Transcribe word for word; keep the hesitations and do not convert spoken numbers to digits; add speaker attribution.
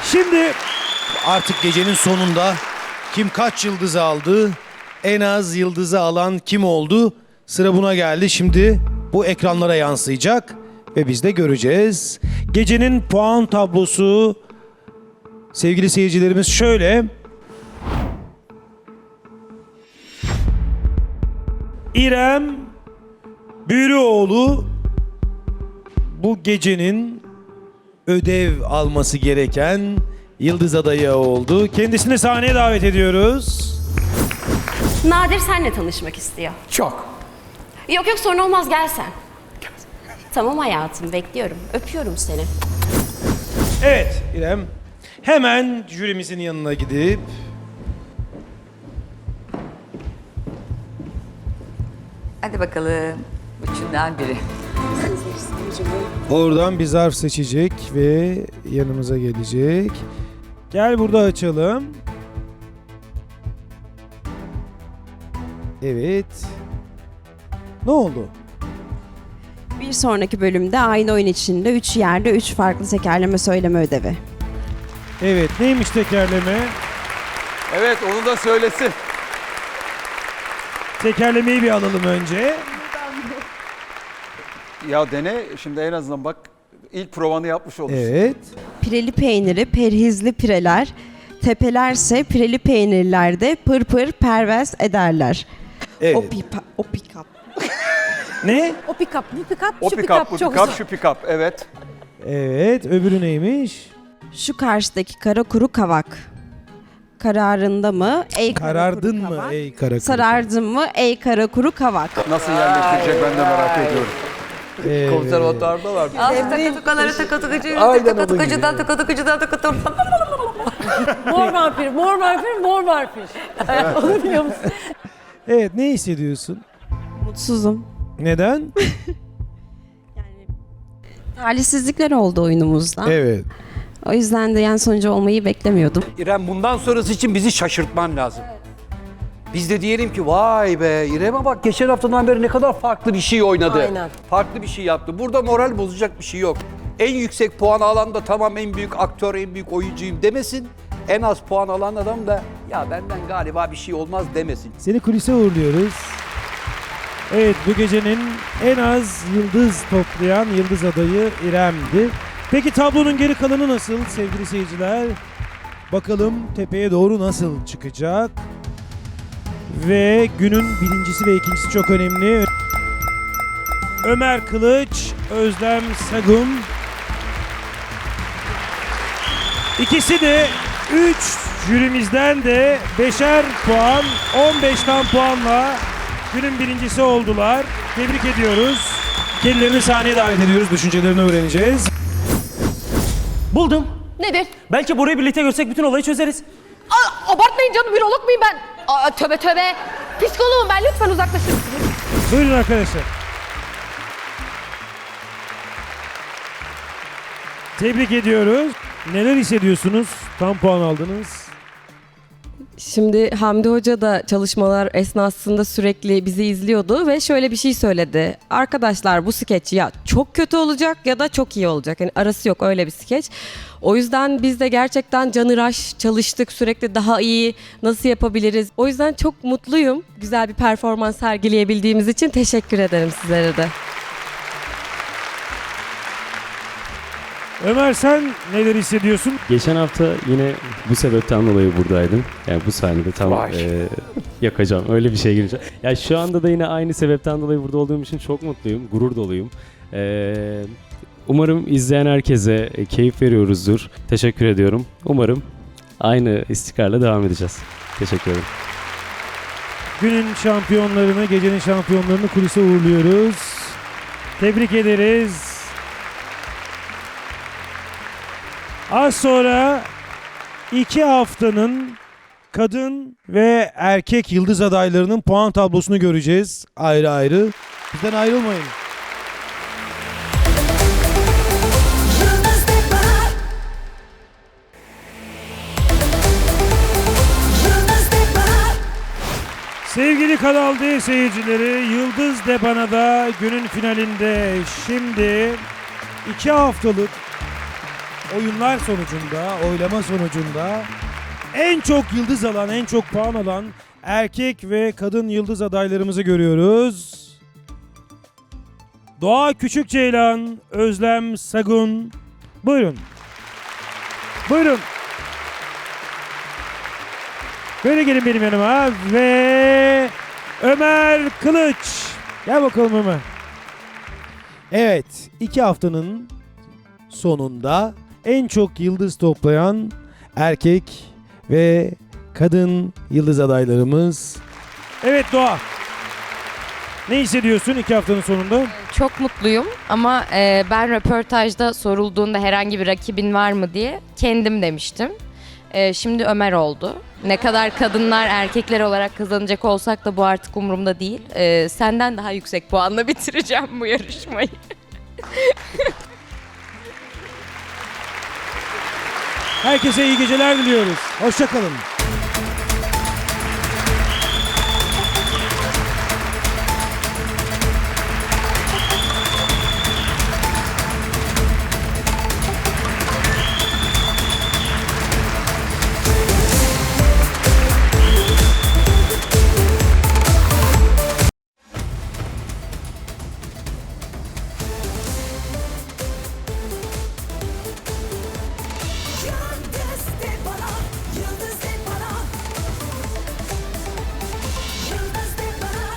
Speaker 1: Şimdi artık gecenin sonunda kim kaç yıldızı aldı, en az yıldızı alan kim oldu? Sıra buna geldi. Şimdi bu ekranlara yansıyacak ve biz de göreceğiz. Gecenin puan tablosu sevgili seyircilerimiz şöyle. İrem Bürüoğlu bu gecenin ödev alması gereken yıldız adayı oldu. Kendisini sahneye davet ediyoruz.
Speaker 2: Nadir senle tanışmak istiyor.
Speaker 3: Çok.
Speaker 2: Yok yok sorun olmaz gel sen. Tamam hayatım bekliyorum. Öpüyorum seni.
Speaker 1: Evet İrem. Hemen jürimizin yanına gidip
Speaker 3: Hadi bakalım. Üçünden biri.
Speaker 1: oradan bir zarf seçecek ve yanımıza gelecek. Gel burada açalım. Evet. Ne oldu?
Speaker 4: Bir sonraki bölümde aynı oyun içinde üç yerde üç farklı tekerleme söyleme ödevi.
Speaker 1: Evet, neymiş tekerleme?
Speaker 5: Evet, onu da söylesin.
Speaker 1: Tekerlemeyi bir alalım önce.
Speaker 5: Ya dene, şimdi en azından bak ilk provanı yapmış olursun.
Speaker 1: Evet.
Speaker 4: Pireli peyniri, perhizli pireler, tepelerse pireli peynirlerde pır pır pervez ederler.
Speaker 1: Evet.
Speaker 4: O pipa, o pikap.
Speaker 1: Ne?
Speaker 6: O pick-up, bu pick-up,
Speaker 5: O
Speaker 6: şu
Speaker 5: pick-up,
Speaker 6: pick-up
Speaker 5: bu
Speaker 6: çok
Speaker 5: pick-up,
Speaker 6: güzel.
Speaker 5: şu pick-up, evet.
Speaker 1: Evet, öbürü neymiş?
Speaker 4: Şu karşıdaki kara kuru kavak. Kararında mı? Ey kara
Speaker 1: Karardın
Speaker 4: kuru
Speaker 1: mı
Speaker 4: kavak.
Speaker 1: ey kara kuru?
Speaker 4: Sarardın mı? Ey kara kuru kavak.
Speaker 5: Nasıl yerleştirecek ben de merak ediyorum.
Speaker 1: Evet.
Speaker 5: Konservatuarda var.
Speaker 3: Takatukaları takatukucu,
Speaker 5: Aynen onun
Speaker 3: takatukucudan
Speaker 5: gibi.
Speaker 3: takatukucudan takatukucudan.
Speaker 6: Mor vampir, mor vampir, mor vampir. Onu biliyor musun?
Speaker 1: Evet, ne hissediyorsun?
Speaker 4: Mutsuzum.
Speaker 1: Neden?
Speaker 4: Yani talihsizlikler oldu oyunumuzda.
Speaker 1: Evet.
Speaker 4: O yüzden de yan sonucu olmayı beklemiyordum.
Speaker 7: İrem bundan sonrası için bizi şaşırtman lazım. Biz de diyelim ki vay be İrem'e bak geçen haftadan beri ne kadar farklı bir şey oynadı.
Speaker 6: Aynen.
Speaker 7: Farklı bir şey yaptı. Burada moral bozacak bir şey yok. En yüksek puan alan da tamam en büyük aktör, en büyük oyuncuyum demesin. En az puan alan adam da ya benden galiba bir şey olmaz demesin.
Speaker 1: Seni kulise uğurluyoruz. Evet, bu gecenin en az yıldız toplayan yıldız adayı İrem'di. Peki tablonun geri kalanı nasıl sevgili seyirciler? Bakalım tepeye doğru nasıl çıkacak? Ve günün birincisi ve ikincisi çok önemli. Ömer Kılıç, Özlem Sagum. İkisi de üç jürimizden de beşer puan, on beşten puanla günün birincisi oldular. Tebrik ediyoruz. Kendilerini sahneye davet ediyoruz. Düşüncelerini öğreneceğiz.
Speaker 8: Buldum.
Speaker 2: Nedir?
Speaker 8: Belki burayı birlikte görsek bütün olayı çözeriz.
Speaker 2: Aa, abartmayın canım bürolog muyum ben? Aa, töbe töbe. Psikoloğum ben lütfen uzaklaşın.
Speaker 1: Buyurun arkadaşlar. Tebrik ediyoruz. Neler hissediyorsunuz? Tam puan aldınız.
Speaker 9: Şimdi Hamdi Hoca da çalışmalar esnasında sürekli bizi izliyordu ve şöyle bir şey söyledi. Arkadaşlar bu skeç ya çok kötü olacak ya da çok iyi olacak. Yani arası yok öyle bir skeç. O yüzden biz de gerçekten canıraş çalıştık. Sürekli daha iyi nasıl yapabiliriz. O yüzden çok mutluyum. Güzel bir performans sergileyebildiğimiz için teşekkür ederim sizlere de.
Speaker 1: Ömer sen neler hissediyorsun?
Speaker 10: Geçen hafta yine bu sebepten dolayı buradaydım. Yani bu sahnede tam
Speaker 7: Vay.
Speaker 10: e, yakacağım. Öyle bir şey gireceğim. Ya şu anda da yine aynı sebepten dolayı burada olduğum için çok mutluyum. Gurur doluyum. E, umarım izleyen herkese e, keyif veriyoruzdur. Teşekkür ediyorum. Umarım aynı istikrarla devam edeceğiz. Teşekkür ederim.
Speaker 1: Günün şampiyonlarını, gecenin şampiyonlarını kulise uğurluyoruz. Tebrik ederiz. Az sonra iki haftanın kadın ve erkek yıldız adaylarının puan tablosunu göreceğiz ayrı ayrı. Bizden ayrılmayın. Sevgili Kanal D seyircileri, Yıldız Debana'da günün finalinde şimdi iki haftalık oyunlar sonucunda, oylama sonucunda en çok yıldız alan, en çok puan alan erkek ve kadın yıldız adaylarımızı görüyoruz. Doğa Küçükceylan, Özlem Sagun. Buyurun. Buyurun. Böyle gelin benim yanıma ve Ömer Kılıç. Gel bakalım Ömer. Evet, iki haftanın sonunda en çok yıldız toplayan erkek ve kadın yıldız adaylarımız. Evet Doğa. Ne hissediyorsun iki haftanın sonunda?
Speaker 11: Çok mutluyum ama e, ben röportajda sorulduğunda herhangi bir rakibin var mı diye kendim demiştim. E, şimdi Ömer oldu. Ne kadar kadınlar erkekler olarak kazanacak olsak da bu artık umurumda değil. E, senden daha yüksek puanla bitireceğim bu yarışmayı.
Speaker 1: Herkese iyi geceler diliyoruz. Hoşça kalın.